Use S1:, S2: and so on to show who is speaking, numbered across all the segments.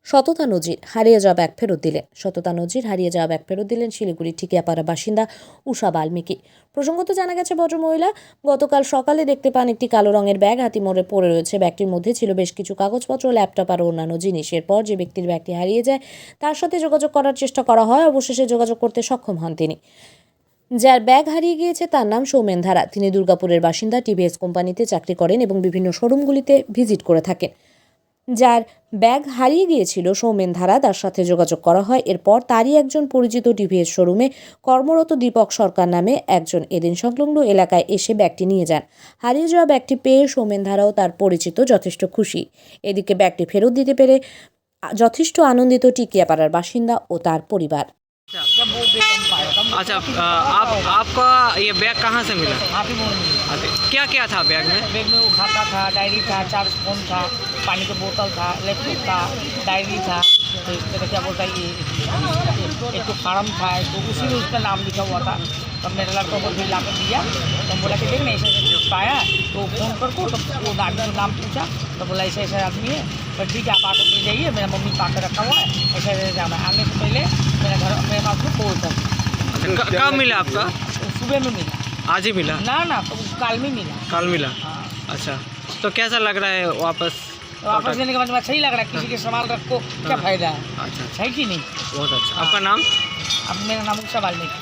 S1: সততা নজির, হারিয়ে যাওয়া ব্যাগ ফেরত দিলেন। সততা নজির, হারিয়ে যাওয়া ব্যাগ ফেরত দিলেন শিলিগুড়ি ঠিকিয়াপাড়া বাসিন্দা উষা বাল্মীকি। প্রসঙ্গত জানা গেছে, ভদ্রমহিলা গতকাল সকালে দেখতে পান একটি কালো রঙের ব্যাগ হাতিমোড়ে পড়ে রয়েছে। ব্যাগটির মধ্যে ছিল বেশ কিছু কাগজপত্র, ল্যাপটপ আর অন্যান্য জিনিস। এরপর যে ব্যক্তির ব্যাগটি হারিয়ে যায় তার সাথে যোগাযোগ করার চেষ্টা করা হয়। অবশেষে যোগাযোগ করতে সক্ষম হন তিনি। যার ব্যাগ হারিয়ে গিয়েছে তার নাম সৌমেন ধারা। তিনি দুর্গাপুরের বাসিন্দা, টিভিএস কোম্পানিতে চাকরি করেন এবং বিভিন্ন শোরুমগুলিতে ভিজিট করে থাকেন। যার ব্যাগ হারিয়ে গিয়েছিল সৌমেন ধারা, তার সাথে যোগাযোগ করা হয়। এরপর তারই একজন পরিচিত টিভিএস শোরুমে কর্মরত দীপক সরকার নামে একজন এদিন সংলগ্ন এলাকায় এসে ব্যাগটি নিয়ে যান। হারিয়ে যাওয়া ব্যাগটি পেয়ে সৌমেন ধারাও তার পরিচিত যথেষ্ট খুশি। এদিকে ব্যাগটি ফেরত দিতে পেরে যথেষ্ট আনন্দিত টিকিয়াপাড়ার বাসিন্দা ও তার পরিবার।
S2: अच्छा, आपका ये बैग कहाँ से मिला? क्या क्या था बैग में?
S3: बैग में वो खाता था, डायरी था, 4 फोन था, पानी का बोतल था, लैपटॉप था, डायरी था, तो इसका क्या बोलता है ये एक तो फार्म था, तो उसी में उसका नाम लिखा हुआ था। तब मेरा लड़का को फिर ला कर दिया, तो बोला कि देख ना ऐसे पाया, तो फ़ोन पर को तो वो आदमी का नाम पूछा, तो बोला ऐसे ऐसा आदमी है। तो ठीक है, आप आकर ले जाइए, मेरा मम्मी पाकर रखा हुआ है, ऐसे ऐसे जाना है। आने से पहले मेरा घर मेरे पास में फोन था।
S2: कब मिला आपका?
S3: सुबह में मिला।
S2: आज ही मिला?
S3: ना तो काल में मिला।
S2: कल मिला?
S3: हाँ।
S2: अच्छा, तो कैसा लग रहा है वापस?
S3: वापस लेने के बाद सही लग रहा है, किसी के सामान रखो क्या फायदा है?
S2: अच्छा,
S3: है कि नहीं?
S2: बहुत अच्छा। आपका नाम?
S3: अब मेरा नाम उषा बाल्मीकि।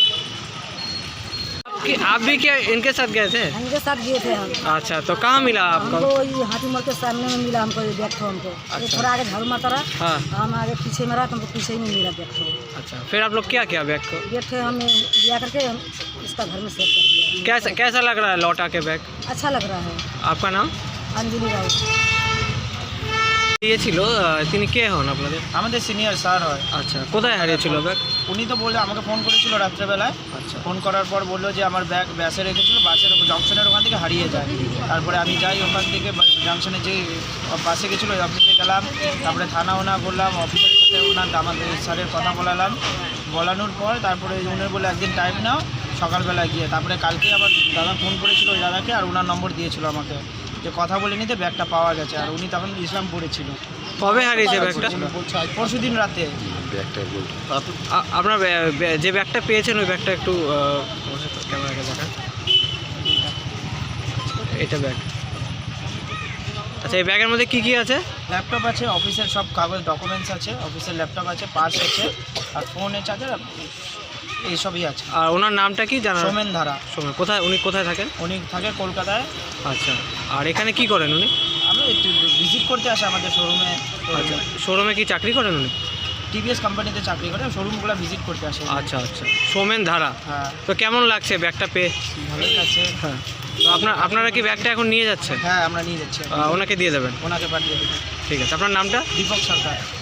S2: आप भी क्या इनके साथ गए थे?
S4: इनके साथ गए थे हम।
S2: अच्छा, तो कहाँ मिला आपको?
S4: हमको ये हाथीमोड़ के सामने में मिला, हमको ये बैग था हमको। ये
S2: अच्छा।
S4: थोड़ा आगे झाड़ू माता रहा,
S2: हाँ।
S4: हम आगे पीछे में रहा, तो हमको पीछे ही नहीं मिला बैग था।
S2: अच्छा, फिर आप लोग क्या किया बैग को?
S4: बैग थे हम लिया करके हम इसका घर में सेव कर दिया।
S2: कैसा लग रहा है लौटा के बैग?
S4: अच्छा लग रहा है।
S2: आपका नाम?
S4: अंजलि राउत।
S2: ये ছিল তিনি কে হন আপনাদের?
S3: আমাদের সিনিয়র স্যার হয়।
S2: আচ্ছা, কোথায় হারিয়েছিল ব্যাগ?
S3: উনি তো বললে আমাকে ফোন করেছিল রাত্রেবেলায়।
S2: আচ্ছা,
S3: ফোন করার পর বললো যে আমার ব্যাগ বাসে রেখেছিল, বাসের জংশনের ওখান থেকে হারিয়ে যায়। তারপরে আমি যাই ওখান থেকে জংশনে যে বাসে গেছিলো ওই অফিসে গেলাম, তারপরে থানা ওনা করলাম, অফিসের সাথে ওনার আমাদের স্যারের কথা বলালাম। বলানোর পর তারপরে উনি বলে একদিন টাইম নাও, সকালবেলায় গিয়ে। তারপরে কালকে আবার দাদা ফোন করেছিল ওই দাদাকে, আর ওনার নম্বর দিয়েছিল আমাকে, যে কথা বলে নিতে ব্যাগটা পাওয়া গেছে। আর উনি তখন ইসলামপুরে ছিল।
S2: কবে হারিয়েছে ব্যাগটা?
S3: পরশু দিন রাতে।
S2: আপনার যে ব্যাগটা পেয়েছেন ওই ব্যাগটা একটু ক্যামেরাকে দেখান। এটা ব্যাগ। আচ্ছা, এই ব্যাগের মধ্যে কি আছে?
S3: ল্যাপটপ আছে, অফিসের সব কাগজ ডকুমেন্টস আছে, অফিসের ল্যাপটপ আছে, পার্স আছে, আর ফোনের চার্জার এইসবই আছে।
S2: আর ওনার নামটা কি জানা?
S3: সৌমেন ধারা।
S2: উনি কোথায় থাকেন?
S3: উনি থাকে কলকাতায়।
S2: আচ্ছা, আর এখানে কি করেন উনি?
S3: আমি একটু ভিজিট করতে আসে আমাদের শোরুমে।
S2: আচ্ছা, শোরুমে কি চাকরি করেন উনি?
S3: টিভিএস কোম্পানিতে চাকরি করে, শোরুমগুলো ভিজিট করতে আসে।
S2: আচ্ছা আচ্ছা, সৌমেন ধারা।
S3: হ্যাঁ,
S2: তো কেমন লাগছে ব্যাগটা পেয়ে?
S3: ভালোই আছে।
S2: হ্যাঁ, তো আপনারা কি ব্যাগটা এখন নিয়ে যাচ্ছেন?
S3: হ্যাঁ, আমরা নিয়ে যাচ্ছি।
S2: ওনাকে দিয়ে দেবেন?
S3: ওনাকে পাঠিয়ে দেবেন।
S2: ঠিক আছে, আপনার নামটা?
S3: দীপক সরকার।